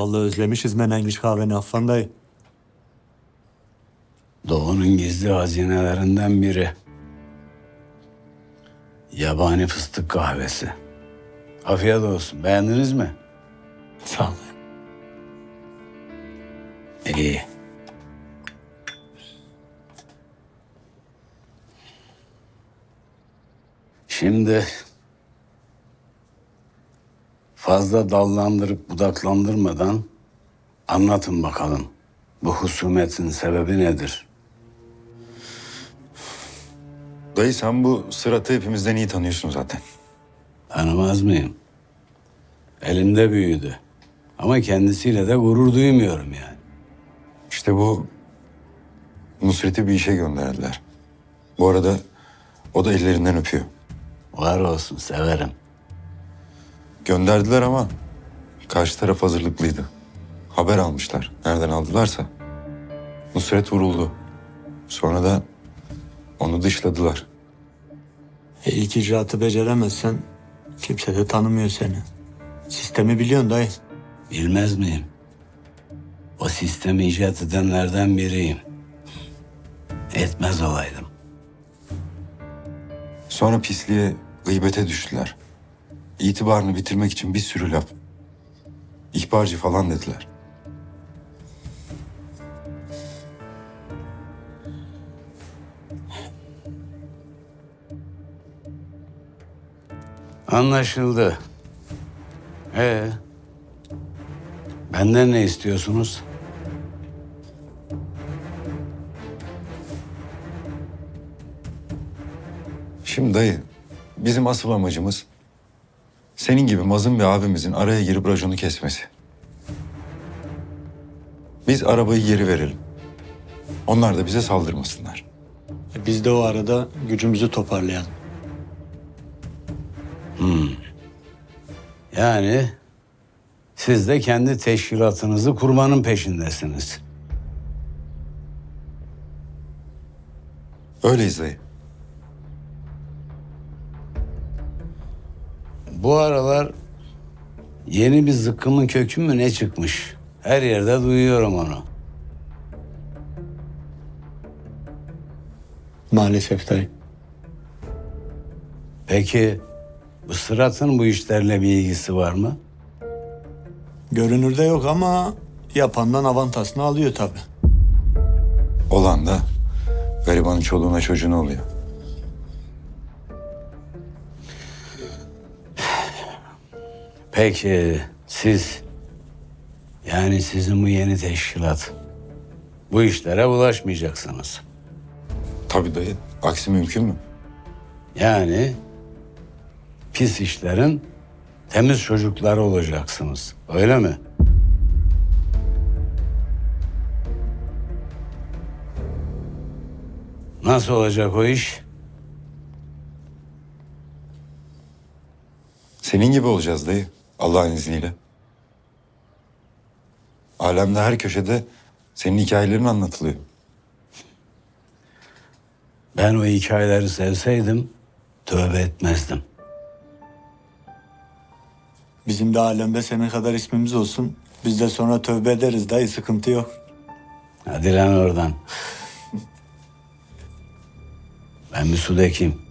Vallahi özlemişiz Menengiç kahveni Affan dayı. Doğu'nun gizli hazinelerinden biri. Yabani fıstık kahvesi. Afiyet olsun. Beğendiniz mi? Sağ ol. İyi. Şimdi fazla dallandırıp budaklandırmadan anlatın bakalım. Bu husumetin sebebi nedir? Dayı sen bu Sırat'ı hepimizden iyi tanıyorsun zaten. Tanımaz mıyım? Elimde büyüdü. Ama kendisiyle de gurur duymuyorum yani. İşte bu Nusret'i bir işe gönderdiler. Bu arada o da ellerinden öpüyor. Var olsun, severim. Gönderdiler ama karşı taraf hazırlıklıydı. Haber almışlar. Nereden aldılarsa. Nusret vuruldu. Sonra da onu dışladılar. İlk icraatı beceremezsen kimse de tanımıyor seni. Sistemi biliyorsun dayı. Bilmez miyim? O sistemi icat edenlerden biriyim. Etmez olaydım. Sonra pisliğe, gıybete düştüler. İtibarını bitirmek için bir sürü laf. İhbarcı falan dediler. Anlaşıldı. Benden ne istiyorsunuz? Şimdi dayı, bizim asıl amacımız senin gibi mazlum bir abimizin araya girip raconu kesmesi. Biz arabayı geri verelim. Onlar da bize saldırmasınlar. Biz de o arada gücümüzü toparlayalım. Yani siz de kendi teşkilatınızı kurmanın peşindesiniz. Öyleyiz dayı. Bu aralar yeni bir zıkkımın kökü mü ne çıkmış? Her yerde duyuyorum onu. Maalesef dayı. Peki bu Sırat'ın bu işlerle bir ilgisi var mı? Görünürde yok ama yapandan avantasını alıyor tabii. Olan da garibanın çoluğuna çocuğuna oluyor. Peki siz, yani sizin bu yeni teşkilat, bu işlere bulaşmayacaksınız. Tabii dayı. Aksi mümkün mü? Yani pis işlerin temiz çocukları olacaksınız. Öyle mi? Nasıl olacak o iş? Senin gibi olacağız dayı. Allah'ın izniyle. Alemde her köşede senin hikayelerin anlatılıyor. Ben o hikayeleri sevseydim tövbe etmezdim. Bizim de alemde senin kadar ismimiz olsun. Biz de sonra tövbe ederiz dayı, sıkıntı yok. Hadi lan oradan. Ben bir su dökeyim.